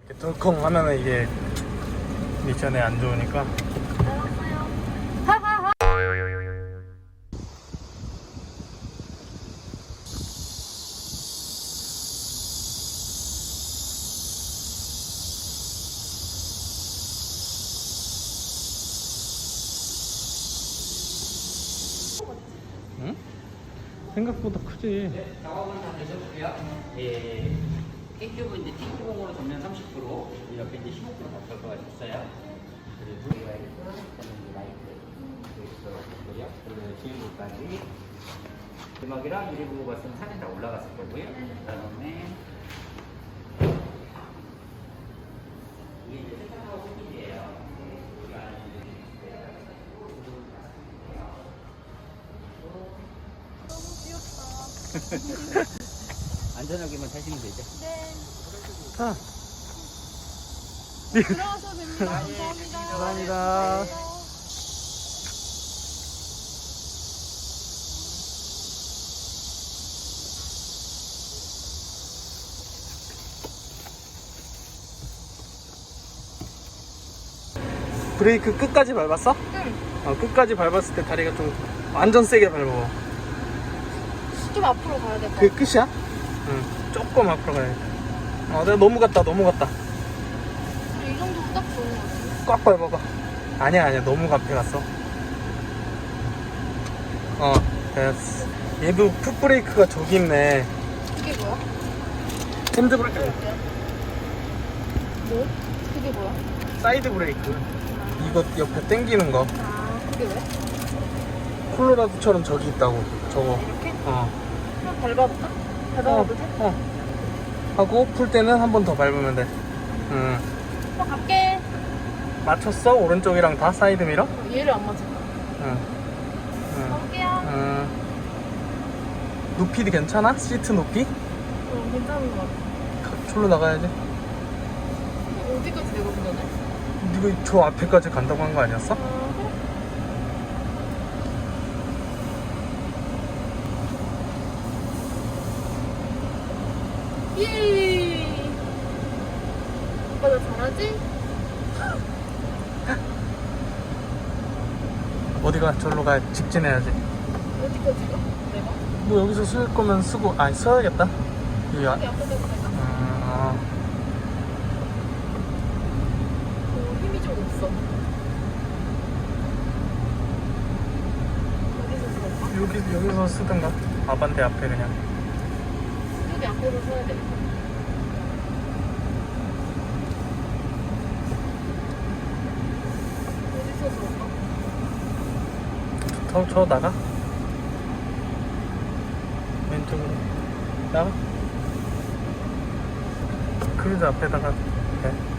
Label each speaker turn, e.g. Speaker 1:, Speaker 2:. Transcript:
Speaker 1: 덜컹 하면은 이게 미션에 안 좋으니까. 응? 생각보다 크지.
Speaker 2: 작업은 다 되셨고요. 예, K큐브 이제 T큐브으로 전면 30%, 이렇게 이제 15% 바꿔가 있어요. 그리고 라이트 있고요. 그리고 지금까지 음악이랑 유리부부 같은 사진 다 올라갔을 거고요. 그다음에 이게 이제 세탁하고 후기예요. 안전하게만 타시면 되죠.
Speaker 3: 네.
Speaker 1: 자,
Speaker 3: 들어가셔도 됩니다. 감사합니다.
Speaker 1: 감사합니다. 브레이크 끝까지 밟았어?
Speaker 3: 응.
Speaker 1: 끝까지 밟았을 때 다리가 좀 완전 세게 밟아.
Speaker 3: 좀 앞으로 가야 될 것
Speaker 1: 그게
Speaker 3: 같아.
Speaker 1: 끝이야? 응. 조금 앞으로 가야 돼. 내가 너무 갔다.
Speaker 3: 이 정도면 딱 좋은 것 같아.
Speaker 1: 꽉 밟아봐. 아니야. 너무 앞에 갔어. 됐어. 얘도 풋브레이크가 저기 있네.
Speaker 3: 그게 뭐야?
Speaker 1: 핸드브레이크.
Speaker 3: 뭐? 그게 뭐야?
Speaker 1: 사이드 브레이크. 이거 옆에 당기는 거.
Speaker 3: 아, 그게 왜?
Speaker 1: 콜로라도처럼 저기 있다고. 저거.
Speaker 3: 이렇게?
Speaker 1: 어.
Speaker 3: 한번 밟아볼까? 밟아봐도 돼?
Speaker 1: 하고 풀 때는 한 번 더 밟으면 돼.
Speaker 3: 갈게.
Speaker 1: 맞췄어? 오른쪽이랑 다 사이드 미러?
Speaker 3: 얘를 안 맞을까? 가볼게요.
Speaker 1: 높이도 괜찮아? 시트 높이?
Speaker 3: 괜찮은 것 같아.
Speaker 1: 졸로 나가야지.
Speaker 3: 어디까지 내가 운전해?
Speaker 1: 네가 저 앞에까지 간다고 한 거 아니었어?
Speaker 3: 예. 오빠 나 잘하지?
Speaker 1: 어디가? 절로 가. 직진해야지.
Speaker 3: 어디까지 가? 내가?
Speaker 1: 뭐 여기서 쓸 거면 쓰고, 써야겠다. 여기
Speaker 3: 어디 앞에 대고 내가? 힘이 좀 없어. 어디서 쓸까?
Speaker 1: 여기서 쓰든가. 아반떼 앞에 그냥.
Speaker 3: 여기 앞에서 서야 돼. 어디서 쓸까?
Speaker 1: 저 나가? 왼쪽으로. 나가? 크루즈 앞에다가. 네.